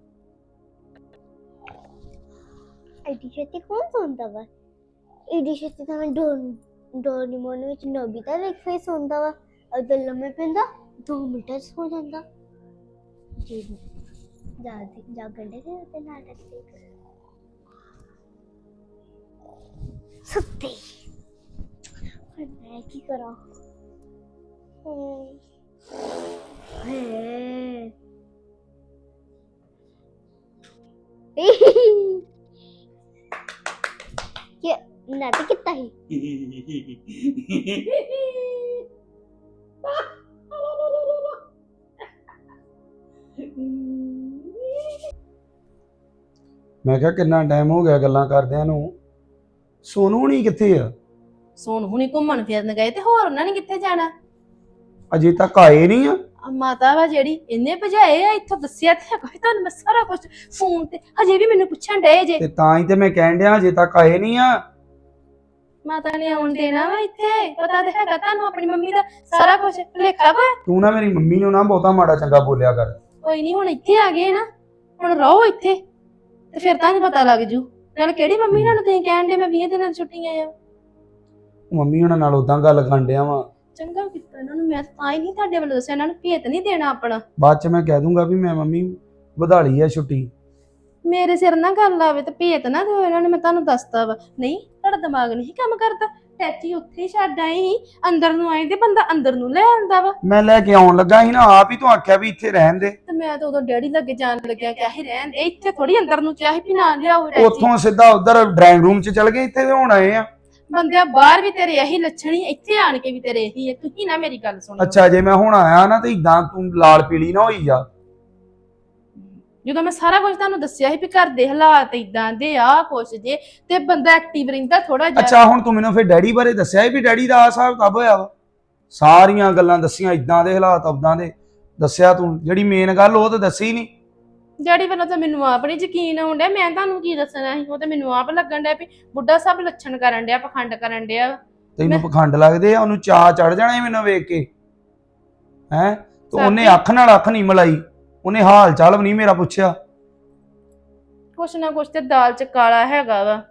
एडी छेती कौन सुनता वा? एडी छेती तो मैं डोरेमोन ਵਿੱਚ ਨੋਬੀਤਾ ਇੱਕ ਫੇਸ ਹੁੰਦਾ ਵਾ, ਅਗਰ ਲੰਮੇ ਪੈਂਦਾ 2 ਮਿੰਟ ਸੋ ਜਾਂਦਾ ਜੀ। ਜਾਗਣ ਦੇ ਤੇ ਨਾਟਕ ਦੇਖ ਸੁੱਤੀ। ਹੁਣ ਮੈਂ ਕੀ ਕਰਾਂ? ये नाटक कितना ही ਮੈਂ ਕਿਹਾ ਕਿੰਨਾ ਟਾਈਮ ਹੋ ਗਿਆ ਗੱਲਾਂ ਕਰਦਿਆਂ ਨੂੰ। ਸੋਨੂ ਨਹੀਂ ਕਿੱਥੇ ਆ? ਸੋਨ ਹੁਣੀ ਘੁੰਮਣ ਫਿਰਨ ਗਏ ਤੇ ਹੋਰ ਉਹਨਾਂ ਨੇ ਕਿੱਥੇ ਜਾਣਾ? ਅਜੇ ਤੱਕ ਆਏ ਨਹੀਂ ਆ। ਮਾਤਾ ਵਾ ਜਿਹੜੀ ਇਹਨੇ ਭਜਾਏ ਆ ਇੱਥੋਂ, ਦੱਸਿਆ ਤੇ ਕੋਈ ਤੁਹਾਨੂੰ ਮੈਂ ਸਾਰਾ ਕੁਝ ਫੋਨ ਤੇ ਹਜੇ ਵੀ ਮੈਨੂੰ ਪੁੱਛਣ ਡਏ ਜੇ। ਤੇ ਤਾਂ ਹੀ ਤੇ ਮੈਂ ਕਹਿਣ ਡਿਆ ਅਜੇ ਤੱਕ ਆਏ ਨਹੀਂ ਆ। ਮਾਤਾ ਨੇ ਆਉਣ ਦੇਣਾ ਵਾ ਇੱਥੇ? ਪਤਾ ਤੇ ਹੈਗਾ ਤੁਹਾਨੂੰ ਆਪਣੀ ਮੰਮੀ ਦਾ ਸਾਰਾ ਕੁਝ ਭੁਲੇਖਾ ਵਾ। ਤੂੰ ਨਾ ਮੇਰੀ ਮੰਮੀ ਨੂੰ ਨਾ ਬਹੁਤਾ ਮਾੜਾ ਚੰਗਾ ਬੋਲਿਆ ਕਰ। ਕੋਈ ਨਹੀਂ ਹੁਣ ਇੱਥੇ ਆ ਗਏ ਨਾ, ਹੁਣ ਰਹੋ ਇੱਥੇ ਤੇ ਫਿਰ ਤੁਹਾਨੂੰ ਪਤਾ ਲੱਗ ਜੂ। ਨਾਲ ਕਿਹੜੀ ਮੰਮੀ ਨਾਲ ਤੁਸੀਂ ਕਹਿਣ ਦੇ ਮੈਂ 20 ਦਿਨਾਂ ਦੀ ਛੁੱਟੀ ਆਇਆ? ਮੰਮੀ ਉਹਨਾਂ ਨਾਲ ਉਦਾਂ ਗੱਲ ਕਰਨ ਡਿਆ ਵਾ। ਚੰਗਾ ਕੀਤਾ ਇਹਨਾਂ ਨੂੰ, ਮੈਂ ਤਾਂ ਹੀ ਨਹੀਂ ਤੁਹਾਡੇ ਵੱਲੋਂ ਦੱਸਿਆ, ਇਹਨਾਂ ਨੂੰ ਭੇਤ ਨਹੀਂ ਦੇਣਾ ਆਪਣਾ। ਬਾਅਦ ਚ ਮੈਂ ਕਹਿ ਦੂੰਗਾ ਵੀ ਮੈਂ ਮੰਮੀ ਵਧਾ ਲਈ ਆ ਛੁੱਟੀ। ਮੇਰੇ ਸਿਰ ਨਾ ਗੱਲ ਆਵੇ ਤੇ ਭੇਤ ਨਾ ਦਿਓ ਇਹਨਾਂ ਨੇ, ਮੈਂ ਤੁਹਾਨੂੰ ਦੱਸਤਾ ਵਾ। ਨਹੀਂ ਤੁਹਾਡਾ ਦਿਮਾਗ ਨਹੀਂ ਕੰਮ ਕਰਦਾ। ਟੈਚੀ ਉੱਥੇ ਹੀ ਛੱਡ ਆਏ ਸੀ, ਅੰਦਰ ਨੂੰ ਆਏ ਤੇ ਬੰਦਾ ਅੰਦਰ ਨੂੰ ਲੈ ਆਉਂਦਾ ਵਾ। ਮੈਂ ਲੈ ਕੇ ਆਉਣ ਲੱਗਾ ਸੀ ਨਾ, ਆਪ ਹੀ ਤੂੰ ਆਖਿਆ ਵੀ ਇੱਥੇ ਰਹਿਣ ਦੇ। ਤੇ ਮੈਂ ਤਾਂ ਉਦੋਂ ਡੈਡੀ ਲੱਗੇ ਜਾਣ ਲੱਗਿਆ ਕਿ ਆਹੀ ਰਹਿਣ ਦੇ, ਇੱਥੇ ਥੋੜੀ ਅੰਦਰ ਨੂੰ ਚਾਹੀ ਵੀ ਨਾ ਲਿਆਓ ਟੈਚੀ। ਉੱਥੋਂ ਸਿੱਧਾ ਉਧਰ ਡਰਾਇੰਗ ਰੂਮ ਚ ਚਲ ਗਏ, ਇੱਥੇ ਤੇ ਹੁਣ ਆਏ ਆ। ਬੰਦਿਆ ਬਾਹਰ ਵੀ ਤੇਰੇ ਇਹੀ ਲੱਛਣ ਹੀ, ਇੱਥੇ ਆਣ ਕੇ ਵੀ ਤੇਰੇ ਇਹੀ ਹੈ। ਤੁਸੀਂ ਨਾ ਮੇਰੀ ਗੱਲ ਸੁਣੋ। ਅੱਛਾ ਜੇ ਮੈਂ ਹੁਣ ਆਇਆ ਨਾ ਤੇ ਇਦਾਂ ਤੂੰ ਲਾਲ ਪੀਲੀ ਨਾ ਹੋਈ ਜਾ। ਜਦੋਂ ਮੈਂ ਸਾਰਾ ਕੁਝ ਤੁਹਾਨੂੰ ਦੱਸਿਆ ਸੀ ਵੀ ਘਰ ਦੇ ਹਾਲਾਤ ਇਦਾਂ ਦੇ ਆ ਕੁਛ ਜੇ, ਤੇ ਬੰਦਾ ਐਕਟਿਵ ਰਹਿੰਦਾ ਥੋੜਾ ਜਿਹਾ। ਅੱਛਾ ਹੁਣ ਤੂੰ ਮੈਨੂੰ ਫਿਰ ਡੈਡੀ ਬਾਰੇ ਦੱਸਿਆ ਵੀ ਡੈਡੀ ਦਾ ਆ ਹਿਸਾਬ ਕਿਤਾਬ ਹੋਇਆ ਵਾ? ਸਾਰੀਆਂ ਗੱਲਾਂ ਦੱਸੀਆਂ, ਇਦਾਂ ਦੇ ਹਾਲਾਤ ਉਦਾਂ ਦੇ ਦੱਸਿਆ ਤੂੰ, ਜਿਹੜੀ ਮੇਨ ਗੱਲ ਉਹ ਤਾਂ ਦੱਸੀ ਨਹੀਂ। ਡੈਡੀ ਵੱਲੋਂ ਤਾਂ ਮੈਨੂੰ ਆਪ ਨਹੀਂ ਯਕੀਨ ਆਉਣ ਡਿਆ, ਮੈਂ ਤੁਹਾਨੂੰ ਕੀ ਦੱਸਣਾ ਸੀ। ਉਹ ਤਾਂ ਮੈਨੂੰ ਆਪ ਲੱਗਣ ਡਿਆ ਵੀ ਬੁੱਢਾ ਸਭ ਲੱਛਣ ਕਰਨ ਡਿਆ, ਪਖੰਡ ਕਰਨ ਡਿਆ। ਤੈਨੂੰ ਪਖੰਡ ਲੱਗਦੇ ਆ? ਉਹਨੂੰ ਚਾਅ ਚੜ ਜਾਣਾ ਸੀ ਮੈਨੂੰ ਵੇਖ ਕੇ ਹੈ। ਤੇ ਉਹਨੇ ਅੱਖ ਨਾਲ ਅੱਖ ਨਹੀਂ ਮਿਲਾਈ, ਉਹਨੇ ਹਾਲ ਚਾਲ ਵੀ ਨਹੀਂ ਮੇਰਾ ਪੁੱਛਿਆ। ਕੁਛ ਨਾ ਕੁਛ ਤੇ ਦਾਲ ਚ ਕਾਲਾ ਹੈਗਾ ਵਾ।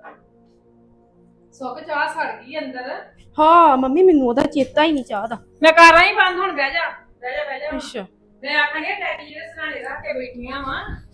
ਸੁੱਕ ਚਾਹ ਸੜ ਗਈ ਅੰਦਰ। ਹਾਂ ਮੰਮੀ ਮੈਨੂੰ ਉਹਦਾ ਚੇਤਾ ਹੀ ਨਹੀਂ ਚਾਹ ਦਾ। ਮੈਂ ਕਰ ਰਹੀ ਬੰਦ, ਹੁਣ ਬਹਿ ਜਾ। ਅੱਛਾ ਮੈਂ ਆਖਾਂਗੇ ਡੈਡੀ ਜਿਹੜੇ ਸਰਾਣੇ ਰੱਖ ਕੇ ਬੈਠੀਆਂ ਵਾ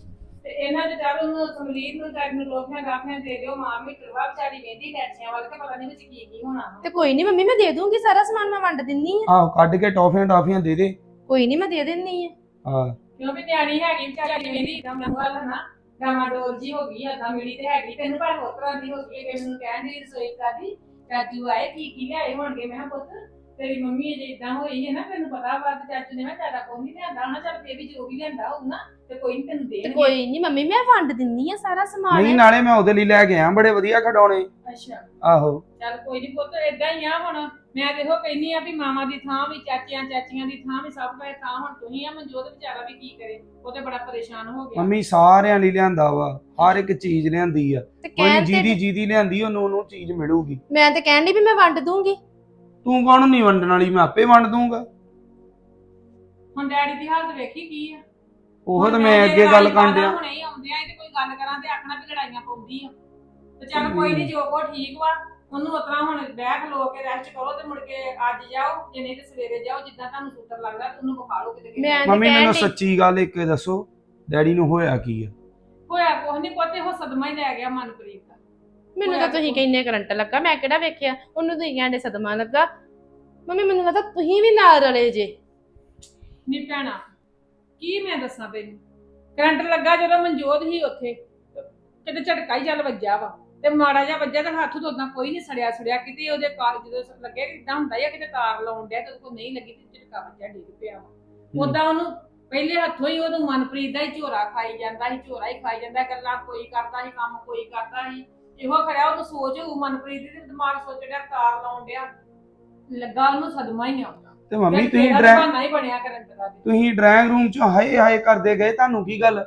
ਤੇ ਇਹਨਾਂ ਦੇ ਚਾਰ ਨੂੰ ਸਮਲੀਰ ਨੂੰ ਚਾਰ ਨੂੰ ਲੋਕਾਂ ਗਾਫੀਆਂ ਦੇ ਦਿਓ ਮਾਂ ਮੀਟਰ ਵਿਚਾਰੀ ਵੇਂਦੀ ਟੈਚੀਆਂ ਵੱਲ ਤੇ ਪਤਾ ਨਹੀਂ ਵਿੱਚ ਕੀ ਕੀ ਹੋਣਾ ਵਾ। ਤੇ ਕੋਈ ਨਹੀਂ ਮੰਮੀ ਮੈਂ ਦੇ ਦੂੰਗੀ ਸਾਰਾ ਸਮਾਨ ਮੈਂ ਵੰਡ ਦਿੰਨੀ ਆ। ਆਹੋ ਕੱਢ ਕੇ ਟੌਫੀਆਂ ਦੇ ਦੇ। ਕੋਈ ਨਹੀਂ ਮੈਂ ਦੇ ਦਿੰਨੀ ਆ। ਹਾਂ ਕਿਉਂ ਵੀ ਨਿਆਣੀ ਹੈਗੀ ਵਿਚਾਰੀ ਵੇਂਦੀ ਤਾਂ ਮੈਂ ਗੱਲ ਨਾ ਡਾਮਾਡੋਲ ਜੀ ਹੋ ਗਈ ਆ ਤਾਂ ਮਿਲੀ ਤੇ ਹੈਗੀ ਤੈਨੂੰ ਪਰ ਹੋਰ ਤਰ੍ਹਾਂ ਦੀ ਹੋ ਗਈ ਕਿ ਮੈਨੂੰ ਕਹਿਣ ਦੀ ਰਸੋਈ ਕਰਦੀ ਚਾਚੂ ਆਏ ਕੀ ਲਿਆਏ ਹੋਣਗੇ। ਮੈਂ ਕਿਹਾ ਪੁੱਤ ਤੇਰੀ ਮੰਮੀ ਜੇ ਇਦਾਂ ਹੋਈ ਹੈ ਨਾ ਤੈਨੂੰ ਪਤਾ ਵਾ ਤੇ ਚਾਚੂ ਨੇ ਮੈਂ ਜ਼ਿਆਦਾ ਕੋਈ ਨਹੀਂ ਲਿਆਂਦਾ ਹੋਣਾ ਚੱਲ ਫੇਰ ਵੀ ਜੋ ਵੀ ਲਿਆਂਦਾ ਹੋਊ ਨਾ ਤੇ ਕੋਈ ਨਹੀਂ ਤੈਨੂੰ ਤੇ ਦੇਣਗੇ। ਕੋਈ ਨਹੀਂ ਮੰਮੀ ਮੈਂ ਵੰਡ ਦਿੰਨੀ ਆ ਸਾਰਾ ਸਮਾਨ। ਨਹੀਂ ਨਾਲੇ ਮੈਂ ਉਹਦੇ ਲਈ ਲੈ ਕੇ ਆਇਆ ਬੜੇ ਵਧੀਆ ਖਿਡੌਣੇ। ਅੱਛਾ ਆਹੋ ਚੱਲ ਕੋਈ ਨਹੀਂ ਪੁੱਤ ਏਦਾਂ ਹੀ ਆ ਹੁਣ ਮੈਂ ਦੇਖੋ ਕਹਿੰਨੀ ਆ ਵੀ ਮਾਮਾ ਦੀ ਥਾਂ ਵੀ ਚਾਚੀਆਂ ਦੀ ਥਾਂ ਵੀ ਸਭ ਦਾ ਥਾਂ ਹੁਣ ਤੁਸੀਂ ਆ ਮਨਜੋਤ ਵਿਚਾਰਾ ਵੀ ਕੀ ਕਰੇ ਉਹ ਤੇ ਬੜਾ ਪਰੇਸ਼ਾਨ ਹੋ ਗਿਆ। ਮੰਮੀ ਸਾਰਿਆਂ ਲਈ ਲਿਆਂਦਾ ਵਾ ਹਰ ਇੱਕ ਚੀਜ਼ ਲਿਆਂਦੀ ਆ ਤੇ ਕੋਈ ਕਹਿਣ ਤੇ ਜਿਹਦੀ ਲਿਆਂਦੀ ਉਹਨੂੰ ਚੀਜ਼ ਮਿਲੂਗੀ। ਮੈਂ ਤੇ ਕਹਿਣ ਡਈ ਵੀ ਮੈਂ ਵੰਡ ਦੂੰਗੀ। ਤੂੰ ਕੌਣ ਨਹੀਂ ਵੰਡਣ ਵਾਲੀ ਮੈਂ ਆਪੇ ਵੰਡ ਦੂੰਗਾ। ਹੁਣ ਡੈਡੀ ਦੀ ਹਾਲਤ ਵੇਖੀ ਕੀ ਆ। ਉਹ ਤਾਂ ਮੈਂ ਅੱਗੇ ਗੱਲ ਕਰਨ ਡਿਆ। ਹੁਣੇ ਹੀ ਆਉਂਦੇ ਆ ਤੇ ਕੋਈ ਗੱਲ ਕਰਾਂ ਤੇ ਆਖਣਾ ਵੀ ਲੜਾਈਆਂ ਪਾਉਂਦੀ ਆ ਤੇ ਚੱਲ ਕੋਈ ਨਹੀਂ ਜੋ ਕੋ ਠੀਕ ਵਾ ਉਹਨੂੰ ਉਤਰਾ ਹੁਣ ਬਹਿ ਖਲੋ ਕੇ ਰੈਸਟ ਕਰੋ ਤੇ ਮੁੜ ਕੇ ਅੱਜ ਜਾਓ ਜੇ ਨਹੀਂ ਤੇ ਸਵੇਰੇ ਜਾਓ ਜਿੱਦਾਂ ਤੁਹਾਨੂੰ ਸੂਤਰ ਲੱਗਦਾ ਤੇ ਉਹਨੂੰ ਵਿਖਾ ਲਓ ਕਿਤੇ ਮੈਂ ਤੇ ਮੰਮੀ ਕਹਿਣ ਮੈਨੂੰ ਡਈ ਸੱਚੀ ਗੱਲ ਇੱਕ ਦੱਸੋ ਡੈਡੀ ਨੂੰ ਹੋਇਆ ਕੀ ਆ? ਹੋਇਆ ਕੁਛ ਨਹੀਂ ਪੁੱਤੇ ਉਹ ਸਦਮਾ ਹੀ ਲੈ ਗਿਆ ਮਨਪ੍ਰੀਤ ਦਾ। ਮੈਨੂੰ ਤਾਂ ਤੁਸੀਂ ਕਹਿੰਨੇ ਕਰੰਟ ਲੱਗਾ ਮੈਂ ਕਿਹੜਾ ਵੇਖਿਆ ਉਹਨੂੰ ਤੁਸੀਂ ਕਹਿੰਦੇ ਸਦਮਾ ਲੱਗਾ। ਮੰਮੀ ਮੈਨੂੰ ਲੱਗਦਾ ਤੁਸੀਂ ਵੀ ਨਾਲ ਰਲੇ ਜੇ। ਨਹੀਂ ਭੈਣਾ ਕੀ ਮੈਂ ਦੱਸਾਂ ਤੈਨੂੰ ਕਰੰਟ ਲੱਗਾ ਜਦੋਂ ਮਨਜੋਤ ਹੀ ਉੱਥੇ ਕਿਤੇ ਝਟਕਾ ਹੀ ਚੱਲ ਵੱਜਾ ਵਾ ਤੇ ਮਾੜਾ ਜਿਹਾ ਵੱਜਾ ਤੇ ਹੱਥ ਤੋਂ ਉਦਾਂ ਕੋਈ ਨਹੀਂ ਸੜਿਆ ਕਿਤੇ ਉਹਦੇ ਕਾਰ ਜਦੋਂ ਲੱਗੇ ਇਦਾਂ ਹੁੰਦਾ ਜਾਂ ਕਿਤੇ ਤਾਰ ਲਾਉਣ ਡਿਆ ਤੇ ਉਹਦੇ ਕੋਲ ਨਹੀਂ ਲੱਗੀ ਤੇ ਝਟਕਾ ਵੱਜਾ ਡਿੱਗ ਪਿਆ ਵਾ। ਉਦਾਂ ਉਹਨੂੰ ਪਹਿਲੇ ਹੱਥੋਂ ਹੀ ਉਹਨੂੰ ਮਨਪ੍ਰੀਤ ਦਾ ਹੀ ਝੋਰਾ ਖਾਈ ਜਾਂਦਾ ਗੱਲਾਂ ਕੋਈ ਕਰਦਾ ਸੀ ਕੰਮ ਕੋਈ ਕਰਦਾ ਸੀ ਇਹੋ ਖੜਿਆ ਉਹਨੂੰ ਸੋਚ ਹੋਊ ਮਨਪ੍ਰੀਤ ਦੀ ਦਿਮਾਗ ਸੋਚ ਰਿਹਾ ਤਾਰ ਲਾਉਣ ਡਿਆ ਲੱਗਾ ਉਹਨੂੰ ਸਦਮਾ ਹੀ ਆਉਂਦਾ। ਤੇ ਮੰਮੀ ਤੇ ਤੁਸੀਂ ਇਹਦਾ ਬਹਾਨਾ ਹੀ ਬਣਿਆ ਕਰੰਟ ਦਾ ਤੇ। ਤੁਸੀਂ ਡਰਾਇੰਗ ਰੂਮ ਚ ਹਾਏ ਕਰਦੇ ਗਏ ਤੁਹਾਨੂੰ ਕੀ ਗੱਲ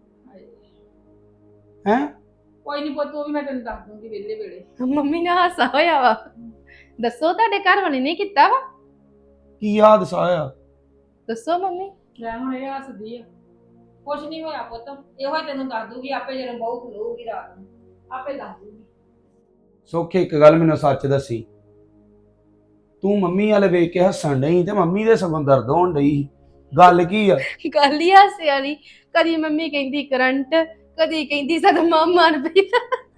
ਹੈ? ਕੋਈ ਨਹੀਂ ਪੁੱਤ ਉਹ ਵੀ ਮੈਂ ਤੈਨੂੰ ਦੱਸ ਦੂੰਗੀ ਵਿਹਲੇ ਵੇਲੇ। ਮੰਮੀ ਨਾਲ ਹਾਸਾ ਹੋਇਆ ਵਾ। ਦੱਸੋ ਤੁਹਾਡੇ ਘਰ ਵਾਲੇ ਨੇ ਕੀਤਾ ਵਾ? ਕੀ ਹਾਦਸਾ ਹੋਇਆ? ਦੱਸੋ ਮੰਮੀ। ਲੈ ਹੁਣ ਇਹ ਹੱਸਦੀ ਆ ਕੁਛ ਨਹੀਂ ਹੋਇਆ ਪੁੱਤ ਇਹੋ ਹੀ ਤੈਨੂੰ ਦੱਸ ਦੂਗੀ ਆਪੇ ਜਦੋਂ ਬਹੁ ਖਲੋਊਗੀ ਰਾਤ ਨੂੰ ਆਪੇ ਦੱਸ ਦੂਗੀ। ਸੁੱਖ ਇੱਕ ਗੱਲ ਮੈਨੂੰ ਸੱਚ ਦੱਸੀ ਤੂੰ ਮੰਮੀ ਵਾਲੇ ਵੇਖ ਕੇ ਹੱਸਣ ਡਈ ਤੇ ਮੰਮੀ ਦੇ ਸਗੋਂ ਦਰਦ ਹੋਣ ਡਈ ਗੱਲ ਕੀ ਆ? ਗੱਲ ਹੀ ਹਾਸੇ ਵਾਲੀ। ਕਦੀ ਮੰਮੀ ਕਹਿੰਦੀ ਕਰੰਟ ਕਦੀ ਕਹਿੰਦੀ ਸਦਮਾ ਮਨਪ੍ਰੀਤ।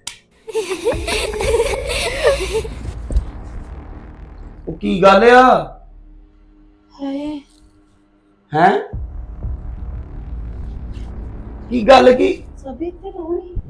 ਉਹ ਕੀ ਗੱਲ ਆ? ਹਾਏ ਹੈ ਕੀ ਗੱਲ ਕੀ? ਸਭੀ ਤੇ ਰੋਣੀ